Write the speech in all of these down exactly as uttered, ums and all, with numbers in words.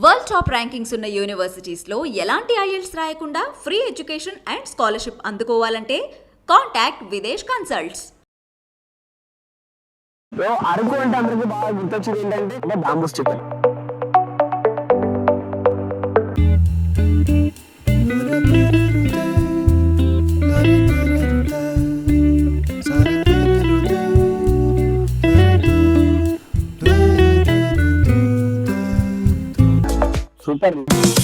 World top rankings ఉన్న యూనివర్సిటీస్లో ఎలాంటి IELTS రాయకుండా ఫ్రీ ఎడ్యుకేషన్ అండ్ స్కాలర్షిప్ అందుకోవాలంటే కాంటాక్ట్ విదేశ్ కన్సల్ట్స్. అరకు అంటే అందరికి బాగా గుర్తొచ్చేది ఏంటంటే అంటే bamboos chicken. Super.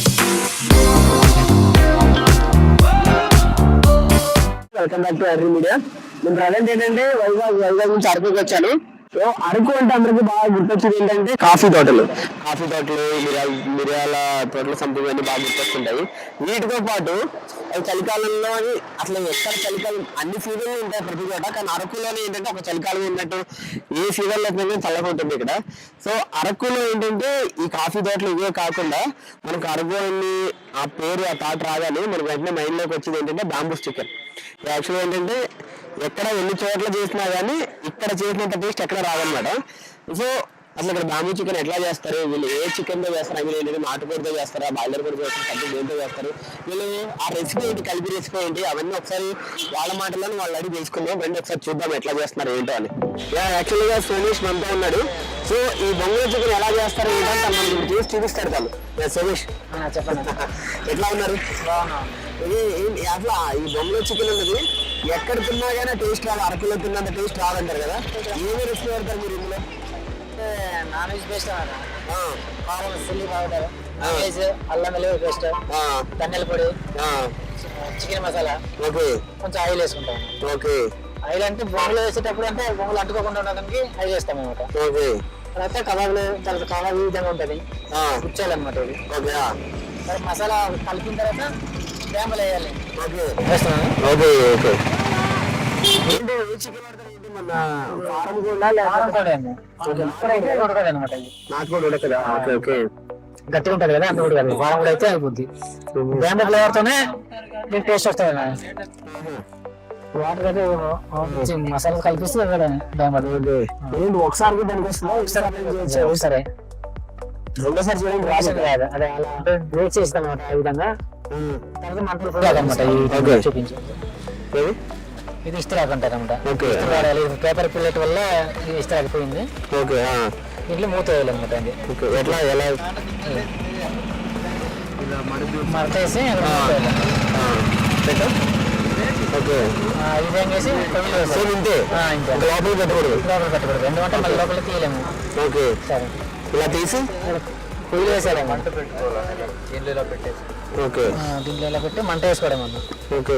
Welcome back to అర్రీ మీడియా. నేను ప్రజెంట్ ఏంటంటే వైజాగ్ వైజాగ్ నుంచి అరకుకి వచ్చాను. సో అరకు అంటే అందరికి బాగా గుర్తొచ్చేది ఏంటంటే కాఫీ తోటలు కాఫీ తోటలు మిరియాల మిరియాల తోటలు సంథింగ్ అన్ని బాగా గుర్తొస్తుంటాయి. వీటితో పాటు అవి చలికాలంలో అసలు ఎక్కడ చలికాలం అన్ని సీజన్లు ఉంటాయి ప్రతి చోట, కానీ అరకులోనే ఏంటంటే ఒక చలికాలం ఉన్నట్టు ఏ సీజన్లో చల్లగా ఉంటుంది ఇక్కడ. సో అరకులో ఏంటంటే ఈ కాఫీ తోటలు ఇవే కాకుండా మనకు అరకు అని ఆ పేరు ఆ థాట్ రాగానే మనకు వెంటనే మైండ్లోకి వచ్చేది ఏంటంటే బాంబూస్ చికెన్. యాక్చువల్గా ఏంటంటే ఎక్కడ ఎన్ని చోట్ల చేసినా కానీ ఇక్కడ చేసినంత టేస్ట్ ఎక్కడ రాదనమాట. సో అసలు ఇక్కడ బాంబూ చికెన్ ఎట్లా చేస్తారు, వీళ్ళు ఏ చికెన్తో చేస్తారు, అవి ఏంటంటే నాటుకోడితో చేస్తారా, బాయిలర్ కూడా చేస్తారు, కట్టి దేంతో చేస్తారు, వీళ్ళు ఆ రెసిపీ ఏంటి, కలిపి రెసిపీ ఏంటి, అవన్నీ ఒకసారి వాళ్ళ మాటలను వాళ్ళు అడిగి తెలుసుకుందాం. రండి ఒకసారి చూద్దాం ఎట్లా చేస్తున్నారు ఏంటో అని. యాక్చువల్గా సోమేష్ మనతో ఉన్నాడు. సో ఈ బొంగుల చికెన్ ఎలా చేస్తారు ఏంటంటే మనం చేసి చూపిస్తారు వాళ్ళు. సోమేష్ చెప్పండి, ఎట్లా ఉన్నారు? ఇది అట్లా ఈ బొంగుల చికెన్ ఉన్నది ఎక్కడ తిన్నా కానీ టేస్ట్ రాదు, అరకులో తిన్నంత టేస్ట్ రాదంటారు కదా. ఏమేమి రెసిపీ పెడతారు మీరు ఇందులో? నాన్ వెజ్ పేస్ట్ కారం చిల్లీ పౌడర్, వెజ్ అల్లం వెల్లుల్లి పేస్ట్, ధనియాల పొడి, చికెన్ మసాలా, ఓకే, కొంచెం ఆయిల్ వేసుకుంటాం. ఓకే, ఆయిల్ అంటే బొంగులు వేసేటప్పుడు అంటే బొంగులు అంటుకోకుండా ఉండడానికి ఆయిల్ వేస్తాం అనమాట. ఓకే, తర్వాత కబాబులు తర్వాత కబాబ్ ఈ విధంగా ఉంటుంది, గుచ్చాలన్నమాట ఇది. ఓకే, తర్వాత మసాలా కలిపిన తర్వాత బ్యాంబులు వేయాలి. ఓకే, వేస్తున్నాను. Okay, okay. ఏంటి ఏ చికెన్ పడతారు ఏంటి, మన కారం కూడా ఉడకదు అనమాట. ఇది నాటుకోడి ఉడకదా? ఓకే, ఓకే, గట్టిగా ఉంటుంది కదా, అంత ఉడకదు. కారం కూడా అయితే అయిపోద్ది. బ్యాంబు ఫ్లేవర్ తోనే మీకు టేస్ట్ వస్తుంది. వాటర్ అయితే మసాలా కలిపిస్తే ఏంటి ఒకసారి దానికి వస్తుందా? సరే రెండోసారి చేయడానికి రాసిన కాదు, అదే అలా అంటే బ్రేక్ చేస్తాం అనమాట. ఆ విధంగా తర్వాత మంటలు అనమాట. చూపించి ఇది ఇస్త్రాక్ అంటారు అనమాట. వాడాలి పేపర్ పిల్లెట్ వల్ల ఇది ఇస్త్రాక్ పోయింది. ఓకే, ఇంట్లో మూత వేయాలి అనమాట. అది ఎట్లా ఎలా మడత వేసి ఓకే ఈ విధంగా వేసి ఇంతే లోపల పెట్టకూడదు. లోపల పెట్టకూడదు, ఎందుకంటే మళ్ళీ లోపల తీయలేము. ఓకే, సరే ఇలా తీసి పొయ్యిలో వేసేయాలి. మంట పెట్టుకోవాలి. ఓకే, దీంట్లో ఇలా పెట్టి మంట వేసుకోవడం అన్న. ఓకే,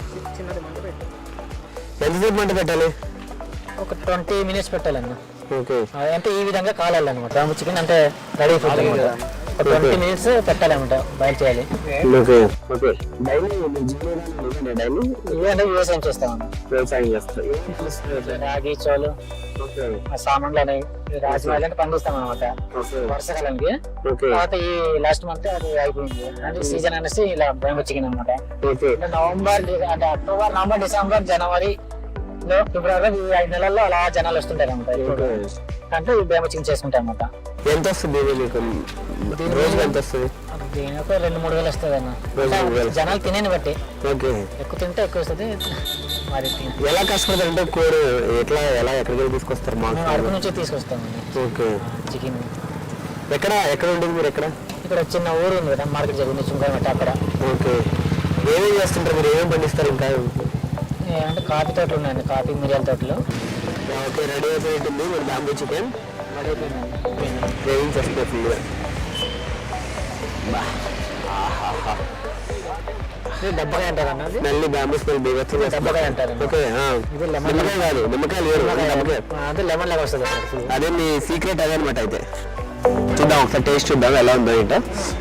ఎంతసేపు మంట పెట్టాలి? ఒక ట్వంటీ మినిట్స్ పెట్టాలన్న. ఓకే, అంటే ఈ విధంగా కాలాలన్నమాట. బాంబూ చికెన్ అంటే రెడీ ఫుడ్ అనమాట. ఒక ట్వంటీ మినిట్స్ పెట్టాలన్నమాట, బాయిల్ చేయాలి. Okay, okay. డైలీ డైలీ ఇవన్నీ వ్యవసాయం చేస్తామన్న. వ్యవసాయం చేస్తారు. రాగి చోలు సామాన్లు అనేవి రాజమాలు అంటే పండిస్తాం అనమాట వర్షాకాలానికి. తర్వాత ఈ లాస్ట్ మంత్ అది అయిపోయింది అంటే సీజన్ అనేసి ఇలా బాంబూ చికెన్ అనమాట. నవంబర్ అంటే అక్టోబర్ నవంబర్ డిసెంబర్ జనవరి లో ఫిబ్రవరి ఈ ఐదు నెలల్లో అలా జనాలు వస్తుంటారు అనమాట. అంటే ఈ బాంబూ చికెన్ చేసుకుంటాం అనమాట. ఎంత వస్తుంది రోజు? ఎంత వస్తుంది? దీని ఒక రెండు మూడు వేలు వస్తుంది అన్న, జనాలు తినేని బట్టి. ఓకే, ఎక్కువ తింటే ఎక్కువ వస్తుంది. మరి ఎలా కష్టపడతారు అంటే కోడి ఎట్లా ఎలా ఎక్కడికి తీసుకొస్తారు? మేము అరకు నుంచి తీసుకొస్తాము. ఓకే, చికెన్ ఎక్కడ ఎక్కడ ఉంటుంది మీరు? ఎక్కడ? ఇక్కడ చిన్న ఊరు ఉంది కదా, మార్కెట్ జరిగింది చుంకరమట్ట అక్కడ. ఓకే, ఏమేమి చేస్తుంటారు మీరు? ఏమేమి పండిస్తారు? ఇంకా అంటే కాఫీ తోటలు ఉన్నాయండి, కాఫీ మిరియాల తోటలు. ఓకే, రెడీ అయిపోయి ఉంటుంది మన బాంబూ చికెన్. రెడీ అయిపోయిందండి, గ్రేవింగ్ చేస్తుంది ఫుల్గా. డబ్బకాయ అంటారు అన్నది. మళ్ళీ బాంబూ స్మెల్ బీగొచ్చు. డబ్బకాయ అంటారు. ఓకే, ఇది లెమన్ నిమ్మకాయ కాదు, నిమ్మకాయలు వేరు. అదే లెమన్ లాగా వస్తుంది. అదే మీ సీక్రెట్ అదే అనమాట. అయితే చూద్దాం, ఒకసారి టేస్ట్ చూద్దాం ఎలా ఉందో ఏంటో.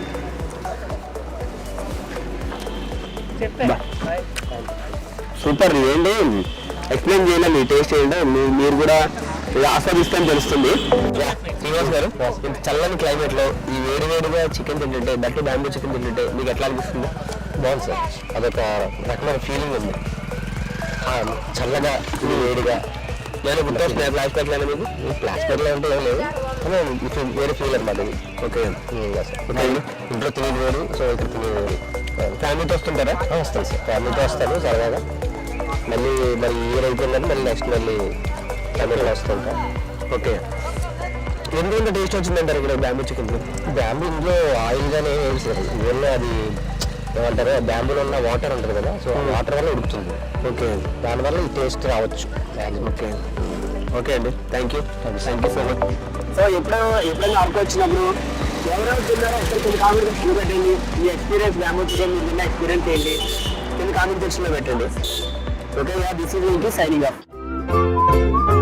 సూపర్. ఏంటి ఎక్స్ప్లెయిన్ చేయాలి మీ టేస్ట్ ఏంటో, మీరు కూడా ఆస్వాదిస్తాను తెలుస్తుంది. శ్రీనివాస్ గారు, ఇంత చల్లని క్లైమేట్ లో ఈ వేడి వేడిగా చికెన్ తింటుంటే, దట్టు బాంబూ చికెన్ తింటుంటే మీకు ఎట్లా అనిపిస్తుంది? బాగుంది సార్, అదొక రకమైన ఫీలింగ్ ఉంది. చల్లగా వేడిగా నేను గుర్తొస్తున్నాయి ఫ్లాష్ బ్యాక్ అనేది మీకు ఫ్లాష్ బ్యాక్ అంటే ఏం లేదు కానీ వేరే ఫీల్ అనమాట ఇది. ఓకే ఇంట్లో తినేది వేరు, సో ఇక్కడ తినేది వేరు. ఫ్యామిలీతో వస్తుంటారా? వస్తాను సార్, ఫ్యామిలీతో వస్తాను సరదాగా. మళ్ళీ మరి ఇయర్ అయిపోయిందని మళ్ళీ నెక్స్ట్ మళ్ళీ ఫ్యామిలీలో వస్తుంటా. ఓకే, ఎందుకంటే టేస్ట్ వచ్చిందంటారు ఇక్కడ బ్యాంబూ చికెన్? బ్యాంబూ ఇందులో ఆయిల్ గానే ఏం సార్, ఇవన్నీ అది ఏమంటారు బ్యాంబూలో ఉన్న వాటర్ ఉంటుంది కదా, సో వాటర్ వల్ల ఉడుకుతుంది. ఓకే, దానివల్ల ఈ టేస్ట్ రావచ్చు. ఓకే ఓకే అండి, thank you thank you so much. So ఎప్పుడైనా ఎప్పుడైనా అరకు వచ్చినప్పుడు ఎవరెవరు తిన్నారో ఒకసారి కొన్ని కామెంట్ సెక్షన్లో పెట్టండి. ఈ ఎక్స్పీరియన్స్ బ్యాంబూ చికెన్ మీరు తిన్న ఎక్స్పీరియన్స్ ఏంటి కింద కామెంట్ సెక్షన్లో పెట్టండి. Okay, this is signing of.